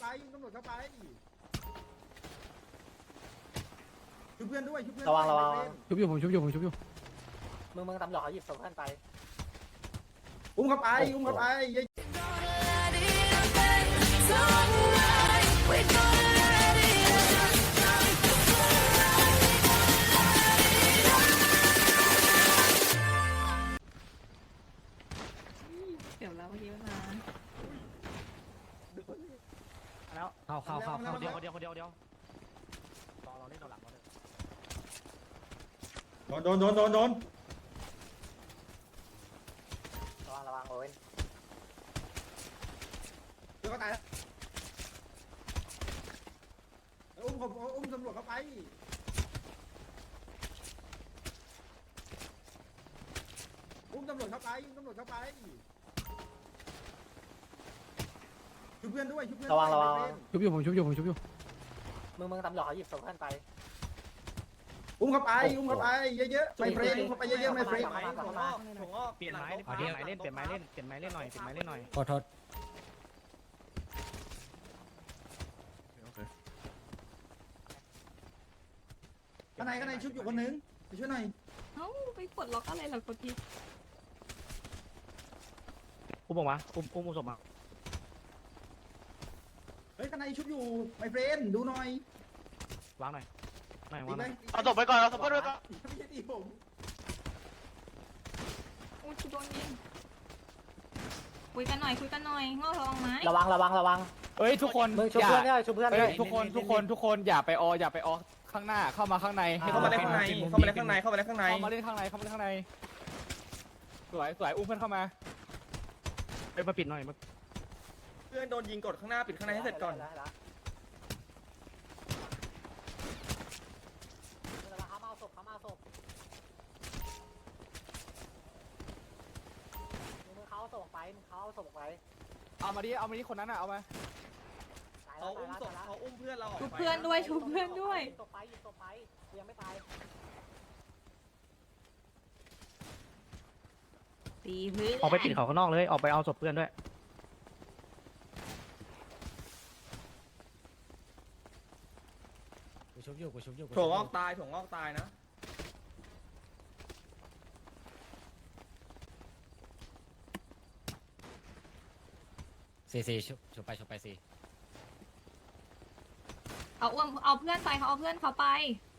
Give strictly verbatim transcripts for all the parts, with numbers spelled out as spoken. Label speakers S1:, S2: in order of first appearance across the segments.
S1: ไปยิงตำรวจเข้าไปชุบเพื่อนด้วยชุบเพื่อน
S2: ระวังระวัง
S3: ชุบอยู่ผมชุบอยู่ผมชุบอยู่
S2: มึงมึงตำรวจเขาหยิบศพเพื่อนไป
S1: อุ้มเข้าไปอุ้มเข้าไป
S4: เดี๋ยวเราเมื่อกี้มา
S3: แล้วเข้าเข้าเข้าเข้า
S5: เดียวคนเดียวคนเดียวเดียวรอเราเล่นเราหลังเราเลย
S1: โดนโดนโดนโดน
S2: ระวังระวังโอ้ย
S1: เดี๋ยวก็ตายแล้วอุ้มผมอุ้มตำรวจเข้าไปอุ้มตำรวจเข้าไปอุ้มตำรวจเข้าไปชุบเพื่อนด้วยชุบเพื่อน
S2: ระวังระวัง
S3: ชุบอยู่ผมชุบอยู่ผมชุบอยู่
S2: มึงมึงตำรวจเขาหยิบศพเพื่อนไป
S1: อุ้มเข้าไปอุ้มเข้าไปเยอะๆไม่เฟรนอุ้มเข้าไปเยอะๆไม่เฟรน
S2: มามามา
S5: เปลี่ยนไม้เปลี่ยนไม้เล่นเปลี่ยนไม้เล่นเปลี่ยนไม้เล่นหน่อยเปลี่ยนไม้เล่นหน่อย
S3: ขอโทษ
S1: ข้างในข้างในชุบอยู่คนนึงไปช่วยหน่อย
S4: เอ้าไปกดล็อกอะไรเหรอกดที
S5: อุ้มออกมาอุ้มอุ้มอุ้มศพมา
S1: เฮ้ยข้างในชุบอยู่ไม่เฟรนดูหน่อยว
S5: างหน่อยไม่
S1: ดี
S5: วางห
S1: ไหม
S5: น่อย
S6: เอาศพไปก่อนเอาศพไปด้วยก่อน
S1: ไม่ใช่ดีผม
S4: อุ้ยกูโดนยิงคุยกันหน่อยคุยกันหน่อยงอระวังไม้
S2: ระวังระวังระวัง
S3: เอ้ยทุกคน
S2: มึงชุบ
S3: อย่า
S2: เพื่อนด้วยชุบเพื่อน
S3: เอ้
S2: ด้วย ย
S3: ทุกคนทุกคนทุกคนอย่าไปอออย่าไปออข้างหน้าเข้ามาข้างในให้
S6: เข้ามาเล่นข้างในเข้ามาเล่นข้างในเข้ามาเล่นข้างใน
S3: เข้ามาเล่นข้างในเข้ามาเล่นข้างในสวยสวยอุ้มเพื่อนเข้ามา
S5: เอ้ยมาปิดหน่อยมา
S6: เพื่อนโดนยิงกดข้างหน้าปิดข้างในให้เสร็จก่อน
S2: เขามาเอาศพเขามาเอาศพมึงเขาเอาศพไปมึงเขาเอาศพไป
S3: เอามาดิเอามาดิคนนั้นอ่ะเอามา
S6: เขาอุ้มศพเขาอุ้มเพื่อนเราออก
S4: ชุบ
S6: ไป
S4: เพื่อนด้วยชุบเพื่อนด้วย
S2: ศพไปหยิบศพไปยังไม่ตาย
S4: ตีเพื่อน
S5: ออกไปปิดเขาข้างนอกเลยออกไปเอาศพเพื่อนด้วย
S3: กูชุบอยู่กูชุบอยู่
S6: ถั่วงอกตายถั่วงอกตายนะ
S3: สี่สี่ชุบชุบไปชุบไปสี่
S4: เอาอ้วมเอาเพื่อนไปเขาเอาเพื่อนเขาไป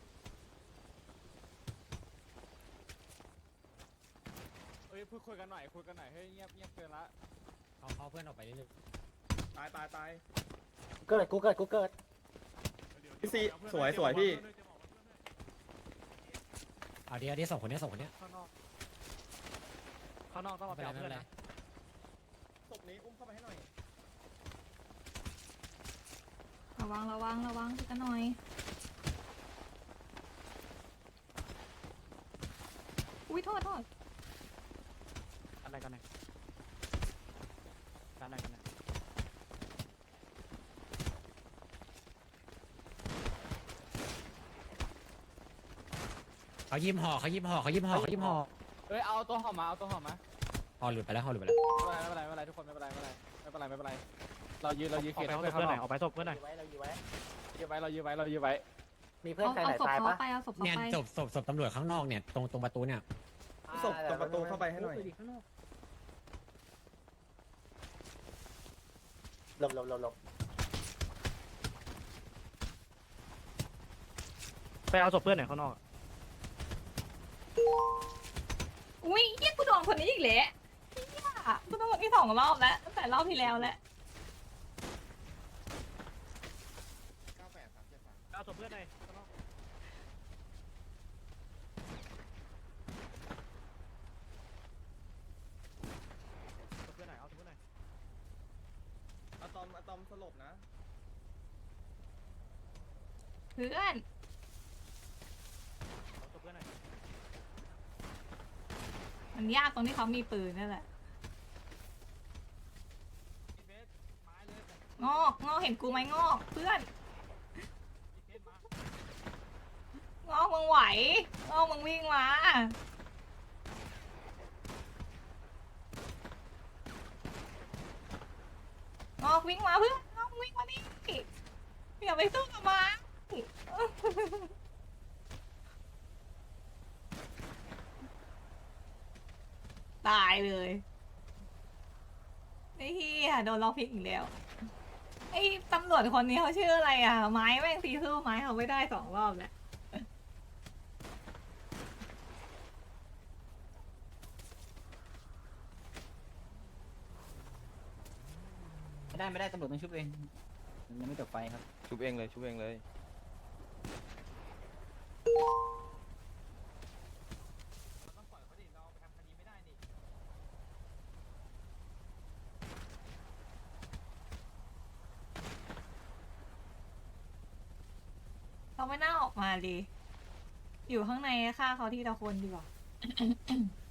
S3: เอ้ยพูดคุยกันหน่อยคุยกันหน่อยเฮ้ยเงียบเงียบเกินละเอาเอาเพื่อนออกไปนิดนึง
S6: ตายตายตาย
S2: เกิดกูเกิดกูเกิด
S6: พี่ซีสวยสวยพี่
S3: เอาเดี๋ยวเดี๋ยวสองคนนี้สองคนนี้
S5: ข้างนอกข้างนอกต้องมาไปเอาเพื่อนนะ
S6: ศพนี้อุ้มเข้าไปให้หน่อย
S4: ระวังระวังระวังคุยกันหน่อยอุ้ยโทษโทษ
S5: อะไรกันเนี่ยอะไรกันเนี่ย
S7: เขายิ้มห่อเขายิ้มห่อเขายิ้มห่อเขายิ้มห่อ
S3: เอ้ยเอาตัวห่อมาเอาตัวห่อมา
S7: ห่อหลุดไปแล้วห่อหลุดไปแล้ว
S3: ไม่เป็นไรไม่เป็นไรไม่เป็นไรทุกคนไม่เป็นไรไม่เป็นไรไม่เป็นไรไม่เป็นไรเรายืนเรายืน
S5: อ
S3: เกี
S5: อย ก
S3: ร์
S5: ไป
S3: ให้
S5: เอา
S3: เพื่
S5: ศ
S3: อน
S5: พ
S3: เขา
S5: เพื่อน
S3: ห
S5: ห
S3: น่
S5: น่
S3: อ
S5: อย ยออกไปศพเพื่อนหน่อย
S2: อยู่ไว้เราอยู่ไว้
S3: ยืนไว้เรายืนไว้เรายืนไว้
S2: มีเพื่อน
S4: เอา
S2: ใครไหน
S4: เอาศพ
S2: ตาย
S4: เขา
S2: ปะ
S4: ไปเอาศพเขา
S7: เนี่ย
S4: ไป
S7: ศพศพศพตำรวจข้างนอกเนี่ยตรงตรงประตูเนี่ย
S6: ศพตรงประตูเข้าไปให้หน่อย
S2: หลบหลบหลบหลบ
S5: ไปเอาศพเพื่อนหน่อยข้างนอก
S4: อุ้ยเยี่ยกูโดนคนนี้อีกแหละเยี่ยกูโดนคนที่สองรอบแล้วตั้งแต่รอบที่แล้วแล้ว
S5: เอาศพเพื่อนหน่อยข้างนอกศพเพื่อนหน่อยเอาศพเพื่อนหน่อย
S6: อะตอมอะตอมสลบนะ
S4: เพื่อน
S5: เอาศพเพื่อนหน่อย
S4: มันยากตรงที่เขามีปืนนั่นแหละงอกงอกเห็นกูไหมงอกเพื่อนงอกมึงไหวงอกมึงวิ่งมางอกวิ่งมาเพื่อนงอกวิ่งมาดิไปสู้กับมัน ตายเลยไอ้เหี้ยโดนล็อกพิกอีกแล้วไอ้ตำรวจคนนี้เขาชื่ออะไรอ่ะ ไม้แม่งตีสู้ไม้เขาไม่ได้สองรอบแล้ว
S5: ไม่ได้ไม่ได้ตำรวจต้องชุบเองยังไม่จบไฟครับ
S6: ชุบเองเลยชุบเองเลย
S4: เขาไม่น่าออกมาดี อยู่ข้างในฆ่าเขาทีละคนดีกว่า